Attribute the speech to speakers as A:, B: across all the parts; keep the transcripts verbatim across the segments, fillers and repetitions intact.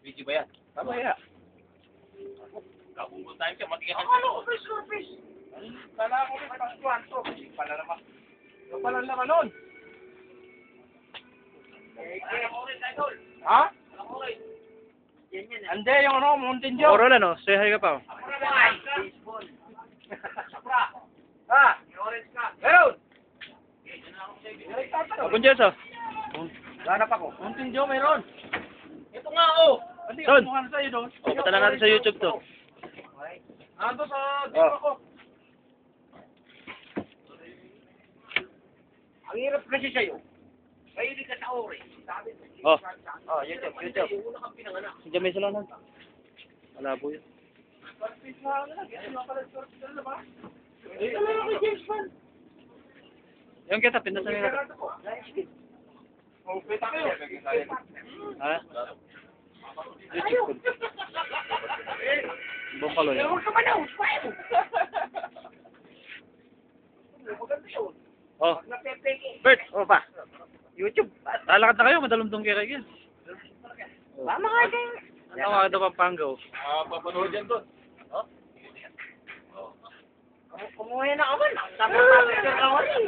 A: Video ba yan?
B: Mamaya.
A: Kabubol tayo siya, matigas.
B: Ano? Fish or fish? Kala ko may paskuhan to. Pala naman. Ano pala naman nun? Ha? Hindi, yung ano, Mountain Dew.
C: Oral ano, say hi ka pa.
B: Ha? Meron!
C: Abon dyan sa.
B: Hanap ako. Mountain Dew, meron.
A: Ito nga, oh!
B: Hindi,
C: Son.
B: kumuha na sa'yo doon.
C: O, patala natin sa YouTube to.
B: Ando sa dito
C: Oh.
B: ako. Ang hirap kasi sa'yo. Mahilig ka sa ori. Sabi mo,
C: Oh,
B: oh, YouTube, YouTube.
A: Una kang pinanganak.
C: nandiyan may salanan. Malabo yun.
B: Swordfish na ano lang. Yan yung pala swordfish na ba? Eh, alam mo kay James Bond.
C: Yung kita, pindasan nila.
B: Gerardo ko. Oh, pita kayo.
C: Ha? YouTube ko. Bukalo yun.
B: Huwag ka manaw. Smile. Maganda yun.
C: Oh,
B: Pag napepeke.
C: Bert,
B: Oh, pa. YouTube.
C: lalakad na kayo, madalumdong kayo kayo.
B: Mama ka din.
C: Ano mga ito Pampanga?
A: Ah, papanood yan doon.
B: Kumuha na ako man. Sabi ko ako rin.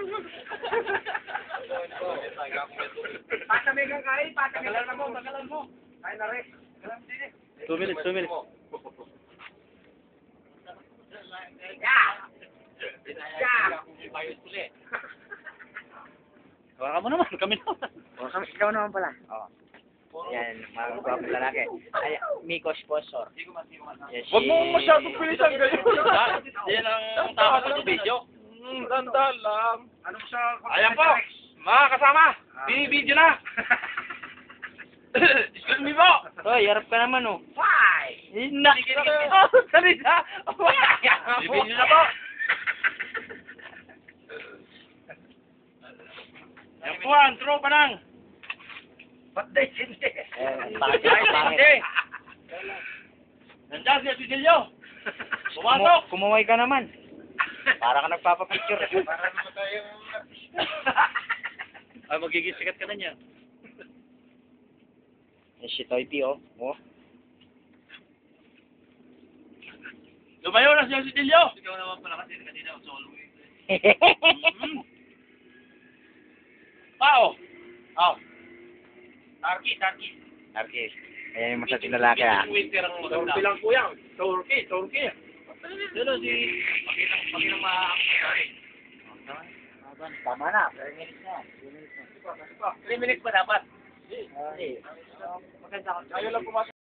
B: Patamay kang kain. Patamay kang mo. Magalan mo. Kain na rin.
C: Two minutes, two minutes.
B: Yeah. Yeah.
C: Hawakan mo naman, kami naman.
D: O, kami, ikaw naman pala. O. Yan, mga gwapong lalaki. Ay, Miko sponsor. Yes,
B: Huwag mo masyadong pilisan kayo.
A: Yan ang tama sa video.
B: Hmm, ganda lang. Ano siya?
A: Ayan po, mga kasama, binibideo na. Excuse me po.
C: Hoy, harap ka naman oh.
B: Why?
C: Na! Oh, salita!
A: Binibideo na po. Yan po ang tropa ng.
B: Ba't di hindi?
D: Eh, pangit, pangit.
A: Hindi. Nandiyan si Asilio. Pumasok.
D: Kumu- Kumuhay ka naman. Para ka nagpapapicture.
B: Para naman tayong...
C: Ay, magiging sikat ka na niya.
D: Yes, si Toy P, oh. Oh.
A: Lumayo na si Asilio. Ikaw naman pala kasi kanina ang solo. Pao. Pao. Tarki, tarki.
D: Arki. Ayan yung masating lalaki, ah.
A: Winter ang maganda.
B: Turkey lang po yan. Turkey, Turkey.
A: Dito si Pakilang Pakilang ma.
D: Tama na. three minutes na. three minutes na.
A: three minutes pa dapat.
D: Okay.
B: Ayaw lang pumasok.